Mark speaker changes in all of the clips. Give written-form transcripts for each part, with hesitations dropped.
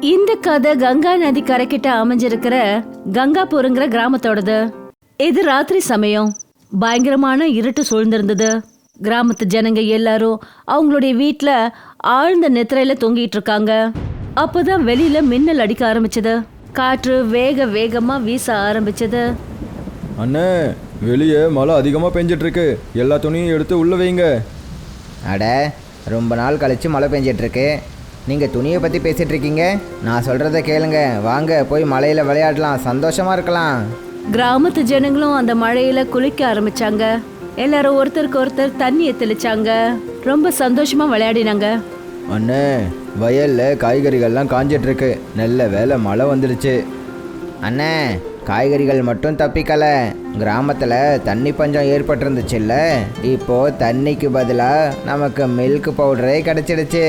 Speaker 1: இந்த கதை கங்கா நதி கரைக்கிட்ட அமைஞ்சிருக்கிற கங்காபுரங்கிற கிராமத்தோடது. இது ராத்திரி சமயம். பயங்கரமான இருட்டு சூழ்ந்திருந்தது. கிராமத்து ஜனங்க எல்லாரும் அவங்களுடைய வீட்டுல ஆழ்ந்த நித்திரையில தொங்கிட்டு இருக்காங்க. அப்பதான் வெளியில மின்னல் அடிக்க ஆரம்பிச்சது. காற்று வேகமா வீச ஆரம்பிச்சது.
Speaker 2: அண்ணே, வெளியே மழை அதிகமாக பெஞ்சிட்டு இருக்கு. எல்லா துணியும் எடுத்து உள்ள வைங்க.
Speaker 3: அட, ரொம்ப நாள் கழிச்சு மழை பெஞ்சிட்ருக்கு. நீங்கள் துணியை பற்றி பேசிகிட்டு இருக்கீங்க. நான் சொல்கிறத கேளுங்க. வாங்க போய் மழையில் விளையாடலாம், சந்தோஷமாக இருக்கலாம்.
Speaker 1: கிராமத்து ஜனங்களும் அந்த மழையில குளிக்க ஆரம்பிச்சாங்க. எல்லாரும் ஒருத்தருக்கு ஒருத்தர் தண்ணியை தெளிச்சாங்க. ரொம்ப சந்தோஷமா விளையாடினாங்க.
Speaker 2: அண்ணே, வயலில் காய்கறிகள்லாம் காஞ்சிட்ருக்கு. நல்ல வேலை மழை வந்துடுச்சு.
Speaker 3: அண்ணே, காய்கறிகள் மட்டும் தப்பிக்கலை. கிராமத்தில் தண்ணி பஞ்சம் ஏற்பட்டிருந்துச்சுல்ல, இப்போது தண்ணிக்கு பதிலாக நமக்கு மில்க் பவுடரே கிடச்சிடுச்சு.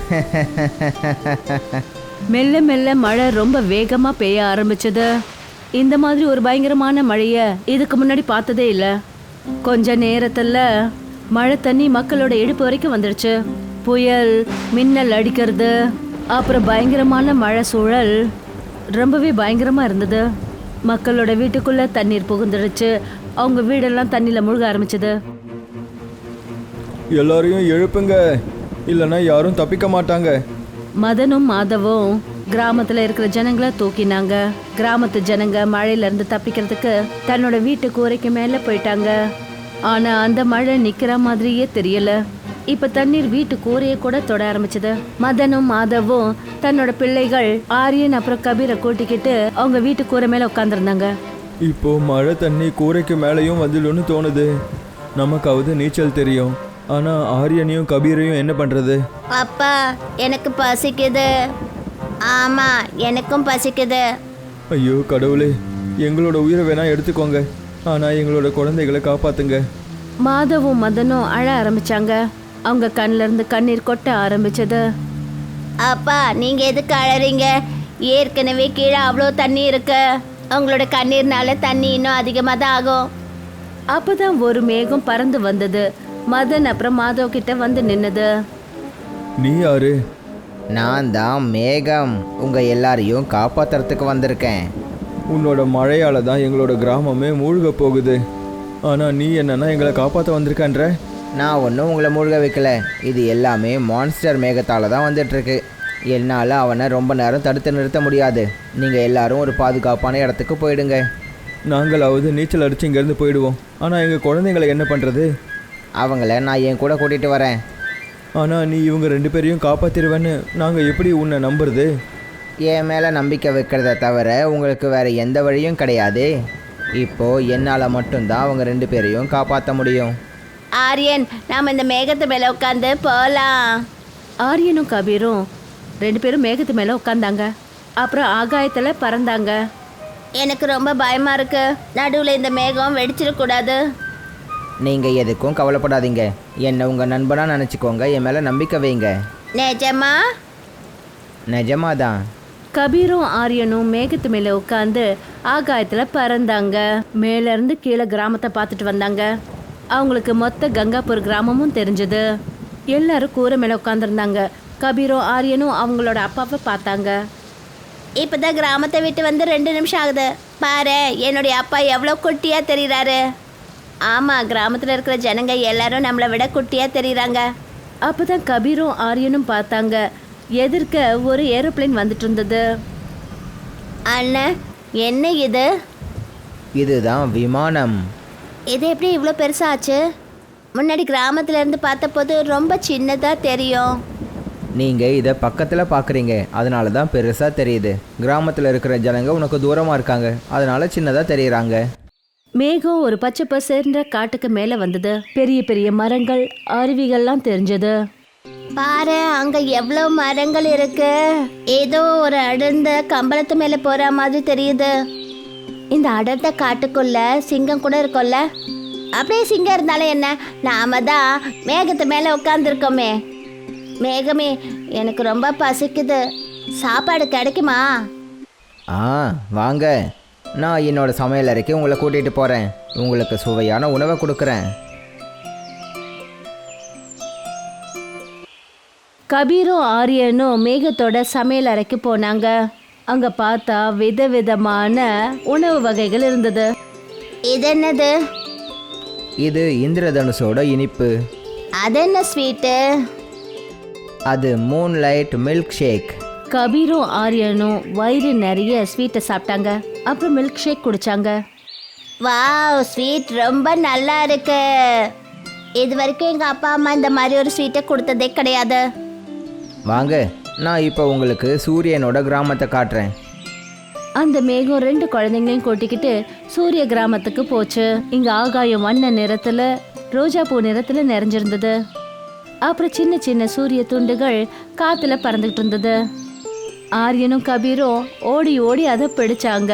Speaker 1: மெல்ல மெல்ல மழை ரொம்ப வேகமா பெய்ய ஆரம்பிச்சது. இந்த மாதிரி ஒரு பயங்கரமான மழைய இதுக்கு முன்னாடி பார்த்ததே இல்லை. கொஞ்ச நேரத்துல மழை தண்ணி மக்களோட இடுப்பு வரைக்கும் வந்துடுச்சு. புயல், மின்னல் அடிக்கிறது, அப்புறம் பயங்கரமான மழை சூழல் ரொம்பவே பயங்கரமா இருந்தது. மக்களோட வீட்டுக்குள்ள தண்ணீர் புகுந்துடுச்சு. அவங்க வீடெல்லாம் தண்ணியில முழுக ஆரம்பிச்சது.
Speaker 2: எல்லாரையும் எழுப்புங்க, இல்லைன்னா யாரும் தப்பிக்க மாட்டாங்க.
Speaker 1: மதனும் மாதவும் கிராமத்துல இருக்கிற ஜனங்களை தூக்கினாங்க. கிராமத்து ஜனங்க மழையில இருந்து தப்பிக்கிறதுக்கு தன்னோட வீட்டு கூரைக்கு மேல போயிட்டாங்க. ஆனா அந்த மழை நிக்கிற மாதிரியே தெரியல. இப்ப தண்ணீர் வீட்டு கூரையை கூட தொட ஆரம்பிச்சது. மதனும் மாதவும் தன்னோட பிள்ளைகள் ஆரியன் அப்புறம் கபீரை கூட்டிக்கிட்டு அவங்க வீட்டு கூரை மேல உட்காந்துருந்தாங்க.
Speaker 2: இப்போ மழை தண்ணி கூரைக்கு மேலேயும் வந்துடும்னு தோணுது. நமக்காவது நீச்சல் தெரியும், ஆனா ஆரியனையும் கபீரையும் என்ன பண்றது?
Speaker 4: அப்பா, எனக்கு பசிக்குது. ஆமா, எனக்கும் பசிக்குது.
Speaker 2: ஐயோ கடவுளே, எங்களோட உயிரை வேணா எடுத்துக்கோங்க, ஆனா எங்களோட குழந்தைகளை காப்பாத்துங்க.
Speaker 1: மாதவும் மதனும் அழ ஆரம்பிச்சாங்க. அவங்க கண்ணுல இருந்து கண்ணீர் கொட்ட ஆரம்பிச்சது.
Speaker 4: அப்பா, நீங்க எதுக்கு அழறீங்க? ஏற்கனவே கீழே அவ்வளோ தண்ணி இருக்கு. உங்களோட கண்ணீர்னால தண்ணி இன்னும் அதிகமாக தான் ஆகும்.
Speaker 1: அப்பதான் ஒரு மேகம் பறந்து வந்தது. மதன் அப்புறம் மாதவ் கிட்ட வந்து நின்னது.
Speaker 2: நீ யாரு?
Speaker 3: நான் தான் மேகம். உங்கள் எல்லாரையும் காப்பாற்றுறதுக்கு வந்திருக்கேன்.
Speaker 2: உன்னோட மழையால தான் எங்களோட கிராமமே மூழ்க போகுது. ஆனா நீ என்னன்னா எங்களை காப்பாற்ற வந்திருக்கன்ற?
Speaker 3: நான் ஒன்றும் உங்களை மூழ்க வைக்கல. இது எல்லாமே மான்ஸ்டர் மேகத்தால் தான் வந்துட்டுருக்கு. என்னால் அவனை ரொம்ப நேரம் தடுத்து நிறுத்த முடியாது. நீங்கள் எல்லாரும் ஒரு பாதுகாப்பான இடத்துக்கு போயிடுங்க.
Speaker 2: நாங்களாவது நீச்சல் அடிச்சு இங்கேருந்து போயிடுவோம், ஆனால் எங்கள் குழந்தைங்களை என்ன பண்ணுறது?
Speaker 3: அவங்கள நான் என் கூட கூட்டிகிட்டு வரேன்.
Speaker 2: ஆனால் நீ இவங்க 2 பேரையும் காப்பாற்றிடுவேன்னு நாங்கள் எப்படி உன்னை நம்புறது?
Speaker 3: என் மேலே நம்பிக்கை வைக்கிறத தவிர உங்களுக்கு வேறு எந்த வழியும் கிடையாது. இப்போது என்னால் மட்டும்தான் அவங்க 2 பேரையும் காப்பாற்ற முடியும்.
Speaker 4: ஆரியன், நாம் இந்த மேகத்து மேலே உட்காந்து போகலாம்.
Speaker 1: ஆரியனும் கபீரும் 2 பேரும் மேகத்து மேல உட்காந்தாங்க. அப்புறம் ஆகாயத்துல பறந்தாங்க.
Speaker 4: எனக்கு ரொம்ப பயமா இருக்கு. நடுவில் இந்த மேகம் வெடிச்சிடக்கூடாது.
Speaker 3: நீங்கள் எதுக்கும் கவலைப்படாதீங்க. என்னை உங்கள் நண்பனாக நினச்சிக்கோங்க. என் மேலே நம்பிக்கை வைங்க.
Speaker 4: நிஜமா?
Speaker 3: நிஜமாதான்.
Speaker 1: கபீரும் ஆரியனும் மேகத்து மேல உட்காந்து ஆகாயத்துல பறந்தாங்க. மேல இருந்து கீழே கிராமத்தை பார்த்துட்டு வந்தாங்க. அவங்களுக்கு மொத்த கங்காபுர் கிராமமும் தெரிஞ்சது. எல்லாரும் கூரை மேல உட்காந்துருந்தாங்க. கபீரும் ஆரியனும் அவங்களோட அப்பாவை பார்த்தாங்க.
Speaker 4: இப்போதான் கிராமத்தை விட்டு வந்து 2 நிமிஷம் ஆகுது. பாரு, என்னுடைய அப்பா எவ்வளோ குட்டியாக தெரியுறாரு. ஆமாம், கிராமத்தில் இருக்கிற ஜனங்க எல்லாரும் நம்மளை விட குட்டியாக தெரியுறாங்க.
Speaker 1: அப்பதான் கபீரும் ஆரியனும் பார்த்தாங்க. எதிர்க்க ஒரு ஏரோப்ளேன் வந்துட்டு இருந்தது.
Speaker 4: அண்ணன், என்ன இது?
Speaker 3: இதுதான் விமானம்.
Speaker 4: இது எப்படி இவ்வளோ பெருசாச்சு? முன்னாடி கிராமத்துல இருந்து பார்த்தபோது ரொம்ப சின்னதாக தெரியும்.
Speaker 3: நீங்கள் இதை பக்கத்தில் பார்க்குறீங்க, அதனால தான் பெருசாக தெரியுது. கிராமத்தில் இருக்கிற ஜனங்க உனக்கு தூரமாக இருக்காங்க, அதனால சின்னதாக தெரியுறாங்க.
Speaker 1: மேகம் ஒரு பச்சை பசேர்ந்த காட்டுக்கு மேல வந்தது. பெரிய பெரிய மரங்கள், அருவிகள்லாம் தெரிஞ்சது.
Speaker 4: பாரு, அங்க எவ்வளோ மரங்கள் இருக்கு. ஏதோ ஒரு அடர்ந்த கம்பளத்து மேல போற மாதிரி தெரியுது. இந்த அடர்ந்த காட்டுக்குள்ள சிங்கம் கூட இருக்கும்ல. அப்படியே சிங்கம் இருந்தாலும் என்ன, நாம தான் மேகத்து மேல உட்காந்துருக்கோமே. மேகமே, எனக்கு ரொம்ப பசிக்குது. சாப்பாடு கிடைக்குமா?
Speaker 3: வாங்க, நான் என்னோட சமையல் அறைக்கு உங்களை கூட்டிகிட்டு போகிறேன். உங்களுக்கு சுவையான உணவை கொடுக்குறேன்.
Speaker 1: கபீரும் ஆரியனும் மேகத்தோட சமையல் அறைக்கு போனாங்க. அங்க பார்த்தா விதவிதமான உணவு வகைகள் இருந்தது.
Speaker 4: இது என்னது?
Speaker 3: இது இந்திரதனுஷோட இனிப்பு.
Speaker 4: அது என்ன ஸ்வீட்டு?
Speaker 3: அது மூன்லைட் மில்க் ஷேக்.
Speaker 1: கபீரும் ஆரியனும் வயிறு நிறைய ஸ்வீட்டை சாப்பிட்டாங்க. அப்புறம் மில்க் ஷேக் குடிச்சாங்க.
Speaker 4: வாவ், ஸ்வீட் ரொம்ப நல்லா இருக்கு. இது வரைக்கும் எங்கள் அப்பா அம்மா இந்த மாதிரி ஒரு ஸ்வீட்டை கொடுத்ததே கிடையாது.
Speaker 3: வாங்க, நான் இப்போ உங்களுக்கு சூரியனோட கிராமத்தை காட்டுறேன்.
Speaker 1: அந்த மேகம் 2 குழந்தைங்களையும் கூட்டிக்கிட்டு சூரிய கிராமத்துக்கு போச்சு. இங்க ஆகாயம் வண்ண நிறத்துல, ரோஜா பூ நிறத்துல நிறைஞ்சிருந்தது. அப்புறம் சின்ன சின்ன சூரிய துண்டுகள் காத்துல பறந்துகிட்டு இருந்தது. ஆரியனும் கபீரும் ஓடி ஓடி அதை பிடிச்சாங்க.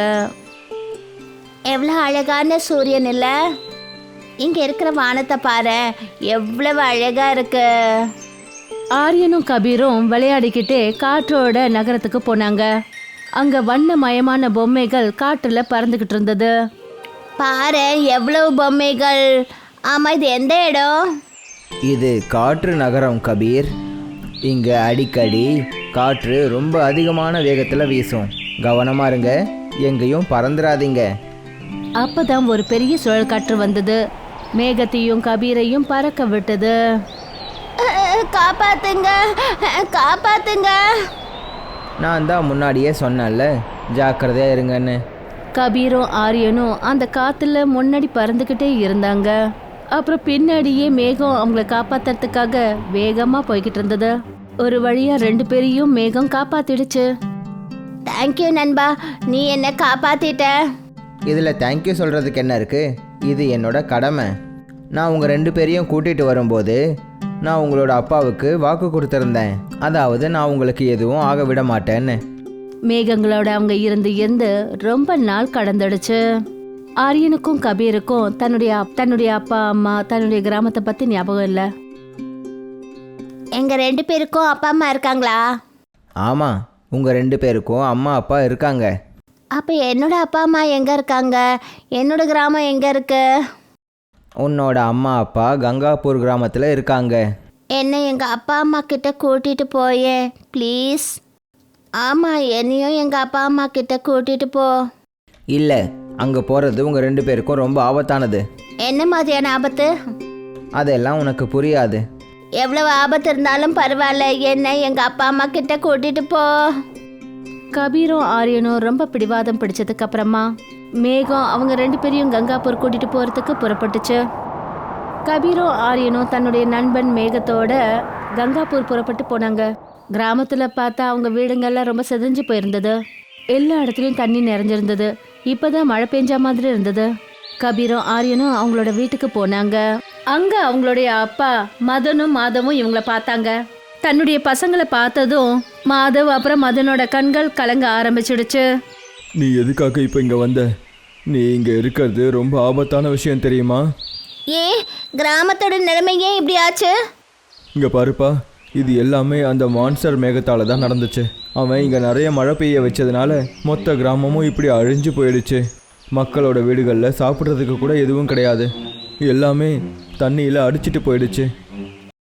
Speaker 4: எவ்வளோ அழகான சூரியன் இல்லை? இங்கே இருக்கிற வானத்தை பாரு, எவ்வளவு அழகா இருக்கு.
Speaker 1: ஆரியனும் கபீரும் விளையாடிக்கிட்டே காற்றோட நகரத்துக்கு போனாங்க. அங்க வண்ணமயமான பொம்மைகள் காற்றுல பறந்துகிட்டு இருந்தது.
Speaker 4: பாரு, எவ்வளவு பொம்மைகள். ஆமாம், இது எந்த இடம்?
Speaker 3: இது காற்று நகரம் கபீர். இங்கே அடிக்கடி காற்று ரொம்ப அதிகமான வேகத்தில் வீசும். கவனமா இருங்க, எங்கேயும் பறந்துடாதீங்க.
Speaker 1: அப்பதான் ஒரு பெரிய சுழல் காற்று வந்தது. மேகத்தையும் கபீரையும் பறக்க விட்டது.
Speaker 4: காப்பாத்துங்க, காப்பாத்துங்க.
Speaker 3: நான் தான் முன்னாடியே சொன்னேன்ல, ஜாக்கிரதையாக இருங்கன்னு.
Speaker 1: கபீரும் ஆரியனும் அந்த காத்துல முன்னாடி பறந்துக்கிட்டே இருந்தாங்க. அப்புறம் பின்னாடியே மேகம் அவங்கள காப்பாத்துறதுக்காக வேகமா போய்கிட்டு இருந்தது. ஒரு வழியா 2 பேரையும் மேகம் காப்பாத்திடுச்சு.
Speaker 4: தேங்க்யூ நண்பா, நீ என்ன காப்பாத்திட்ட.
Speaker 3: இதில் தேங்க்யூ சொல்கிறதுக்கு என்ன இருக்குது? இது என்னோட கடமை. நான் உங்கள் 2 பேரையும் கூட்டிகிட்டு வரும்போது நான் உங்களோட அப்பாவுக்கு வாக்கு கொடுத்துருந்தேன். அதாவது நான் உங்களுக்கு எதுவும் ஆக விட மாட்டேன்னு.
Speaker 1: மேகங்களோட அவங்க இருந்து ரொம்ப நாள் கடந்துடுச்சு. ஆரியனுக்கும் கபீருக்கும் தன்னுடைய அப்பா அம்மா, தன்னுடைய கிராமத்தை பத்தி ஞாபகம் இல்லை.
Speaker 4: எங்க 2 பேருக்கும் அப்பா அம்மா இருக்காங்களா?
Speaker 3: ஆமாம், உங்கள் 2 பேருக்கும் அம்மா அப்பா இருக்காங்க.
Speaker 4: அப்போ என்னோட அப்பா அம்மா எங்கே இருக்காங்க? என்னோட கிராமம் எங்கே இருக்கு?
Speaker 3: உன்னோட அம்மா அப்பா கங்காப்பூர் கிராமத்தில் இருக்காங்க.
Speaker 4: என்னை எங்கள் அப்பா அம்மா கிட்ட கூட்டிகிட்டு போயே ப்ளீஸ். ஆமாம், என்னையும் எங்கள் அப்பா அம்மா கிட்ட கூட்டிகிட்டு போ.
Speaker 3: இல்லை, அங்கே போகிறது உங்கள் 2 பேருக்கும் ரொம்ப ஆபத்தானது.
Speaker 4: என்ன மாதிரியான ஆபத்து?
Speaker 3: அதெல்லாம் உனக்கு புரியாது.
Speaker 4: எவ்வளவு ஆபத்து இருந்தாலும் பரவாயில்ல, என்னை எங்கள் அப்பா அம்மா கிட்ட கூட்டிகிட்டு போ.
Speaker 1: கபீரும் ஆரியனும் ரொம்ப பிடிவாதம் பிடிச்சதுக்கு அப்புறமா மேகம் அவங்க 2 பேரையும் கங்காப்பூர் கூட்டிட்டு போறதுக்கு புறப்பட்டுச்சு. கபீரும் ஆரியனும் தன்னுடைய நண்பன் மேகத்தோட கங்காப்பூர் புறப்பட்டு போனாங்க. கிராமத்துல பார்த்தா அவங்க வீடுங்கள்லாம் ரொம்ப செதஞ்சு போயிருந்தது. எல்லா இடத்துலயும் தண்ணி நிறைஞ்சிருந்தது. இப்பதான் மழை பெஞ்ச மாதிரி இருந்தது. கபீரும் ஆரியனும் அவங்களோட வீட்டுக்கு போனாங்க. அங்க அவங்களுடைய அப்பா மதனும் மாதவும் இவங்கள பார்த்தாங்க. தன்னுடைய பசங்களை பார்த்ததும் மாதவ் அப்புறம் மதனோட கண்கள் கலங்க ஆரம்பிச்சிடுச்சு.
Speaker 2: நீ எதுக்காக இப்போ இங்கே வந்த? நீ இங்கே இருக்கிறது ரொம்ப ஆபத்தான விஷயம் தெரியுமா?
Speaker 4: ஏன் கிராமத்தோட நிலைமை ஏன் இப்படி ஆச்சு?
Speaker 2: இங்கே பாருப்பா, இது எல்லாமே அந்த மான்ஸ்டர் மேகத்தால் தான் நடந்துச்சு. அவன் இங்கே நிறைய மழை பெய்ய வச்சதுனால மொத்த கிராமமும் இப்படி அழிஞ்சு போயிடுச்சு. மக்களோட வீடுகளில் சாப்பிட்றதுக்கு கூட எதுவும் கிடையாது. எல்லாமே தண்ணியில் அடிச்சிட்டு போயிடுச்சு.